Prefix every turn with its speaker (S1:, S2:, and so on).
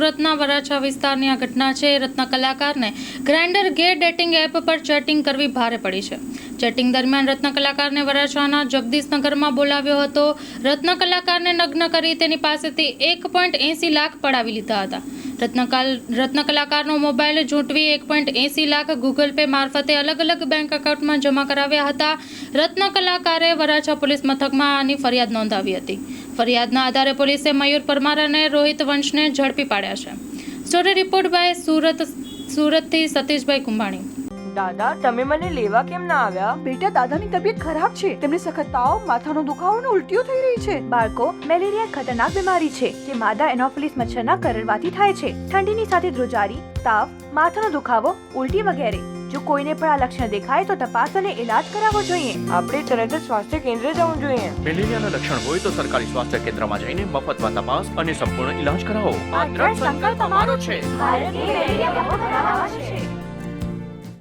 S1: સુરતના વરાછા વિસ્તારની આ ઘટના છે। રત્ન કલાકારને ગ્રાઇન્ડર ગે ડેટિંગ એપ પર ચેટિંગ કરવી ભારે પડી છે। ચેટિંગ દરમિયાન રત્ન કલાકારને વરાછાના જગદીશનગરમાં બોલાવ્યો હતો। રત્ન કલાકારને નગ્ન કરી તેની પાસેથી 1.80 લાખ પડાવી લીધા હતા। રત્ન કલાકારનો મોબાઈલ ઝૂંટવી 1.80 લાખ ગૂગલ પે મારફતે અલગ અલગ બેંક એકાઉન્ટમાં જમા કરાવ્યા હતા। રત્ન કલાકારે વરાછા પોલીસ મથકમાં આની ફરિયાદ નોંધાવી હતી। ફરિયાદના આધારે પોલીસે મયુર પરમાર અને રોહિત વંશને ઝડપી પાડ્યા છે। સ્ટોરી રિપોર્ટ બાય સુરતથી સતીશભાઈ કુંભાણી।
S2: દાદા તમે મને લેવા કેમ ના આવ્યા?
S3: બેટા, દાદાની તબિયત ખરાબ છે। તેમને સખત તાવ, માથાનો દુખાવો અને ઉલટીઓ થઈ રહી છે।
S4: બાળકો, મેલેરિયા એક ખતરનાક બીમારી છે જે માદા એનોફિલિસ મચ્છરના કરડવાથી થાય છે। ઠંડીની સાથે ધ્રુજારી, તાવ, માથાનો દુખાવો, ઉલટી વગેરે। જો કોઈને પણ આ લક્ષણ દેખાય તો તપાસ અને ઇલાજ કરાવવો જોઈએ।
S2: આપણે તરત જ સ્વાસ્થ્ય કેન્દ્ર જવું જોઈએ।
S5: મેલેરિયાના લક્ષણ હોય તો સરકારી સ્વાસ્થ્ય કેન્દ્રમાં જઈને મફતમાં તપાસ અને સંપૂર્ણ ઈલાજ કરાવો।
S4: આ દ્રઢ સંકલ્પ અમારો છે। ભારતની મેલેરિયા મુક્ત